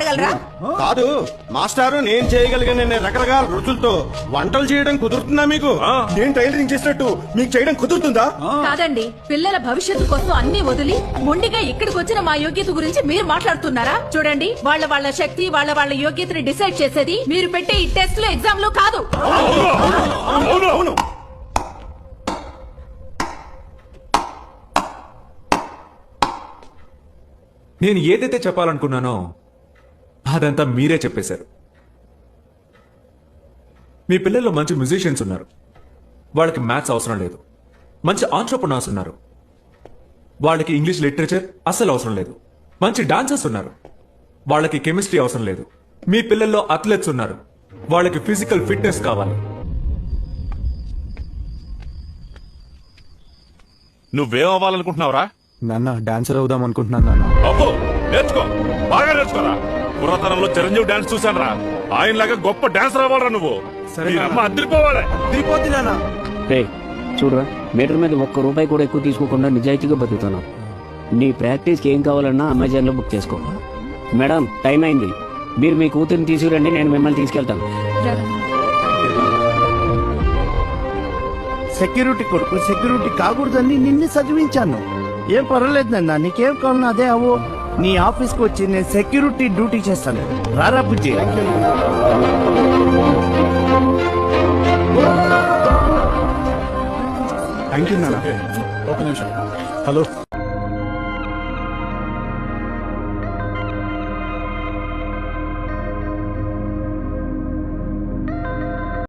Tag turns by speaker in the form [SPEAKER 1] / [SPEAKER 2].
[SPEAKER 1] చేయగలరా?
[SPEAKER 2] కాదు మాస్టారు, నేను చేయగలిగిన రకరకాల రుచులతో వంటలు చేయడం కుదురుతుందా మీకు? నేను టైలరింగ్ చేసినట్టు మీకు చేయడం కుదురుతుందా?
[SPEAKER 1] కాదండి, పిల్లల భవిష్యత్తు కోసం అన్ని వదిలి మొండిగా ఇక్కడికి వచ్చిన మా యోగ్యత గురించి మీరు మాట్లాడుతున్నారా? చూడండి, వాళ్ళ శక్తి వాళ్ళ యోగ్యతని డిసైడ్ చేసేది మీరు పెట్టే ఈ టెస్ట్ లో ఎగ్జామ్ లో కాదు.
[SPEAKER 2] అవును.
[SPEAKER 3] నేను ఏదైతే చెప్పాలనుకున్నానో అదంతా మీరే చెప్పేశారు. మీ పిల్లల్లో మంచి మ్యూజిషియన్స్ ఉన్నారు, వాళ్ళకి మ్యాథ్స్ అవసరం లేదు. మంచి ఆంట్రప్రనర్స్ ఉన్నారు, వాళ్ళకి ఇంగ్లీష్ లిటరేచర్ అస్సలు అవసరం లేదు. మంచి డాన్సర్స్ ఉన్నారు, వాళ్ళకి కెమిస్ట్రీ అవసరం లేదు. మీ పిల్లల్లో అథ్లెట్స్ ఉన్నారు, వాళ్ళకి ఫిజికల్ ఫిట్నెస్ కావాలి.
[SPEAKER 4] నువ్వేం అవ్వాలనుకుంటున్నావురా?
[SPEAKER 5] నాన్న డాన్సర్ అవుదాం అనుకుంటున్నాను నాన్న.
[SPEAKER 4] అబ్బో, నేర్చుకో, బాగా నేర్చుకోరా. పురాతనంలో చిరంజీవి డాన్స్ చూశాను రా, ఆయనలాగా గొప్ప డాన్సర్ అవ్వాలరా నువ్వు.
[SPEAKER 5] సరే
[SPEAKER 4] మీ అమ్మ అద్దరిపోవాలి.
[SPEAKER 5] తిరిగిపోద్ది నాన్న.
[SPEAKER 6] రే చూడరా, మీటర్ మీద ₹1 కూడా ఎక్కువ తీసుకోకుండా నిజాయితీగా బతుకుతున్నావు. నీ ప్రాక్టీస్కి ఏం కావాలన్నా అమెజాన్లో బుక్ చేసుకో. మేడం, టైం అయింది, మీరు మీ కూతురిని తీసుకురండి, నేను మిమ్మల్ని తీసుకెళ్తాను.
[SPEAKER 7] సెక్యూరిటీ కొడుకు సెక్యూరిటీ కాకూడదని నిన్ను చదివించాను. ఏం పర్వాలేదు నాన్న, నీకేం కావాలన్నా అదే అవ్వు. నీ ఆఫీస్కి వచ్చి నేను సెక్యూరిటీ డ్యూటీ చేస్తాను. రారా బుజ్జి.
[SPEAKER 5] థ్యాంక్ యూ నాన్న. ఒక నిమిషం. హలో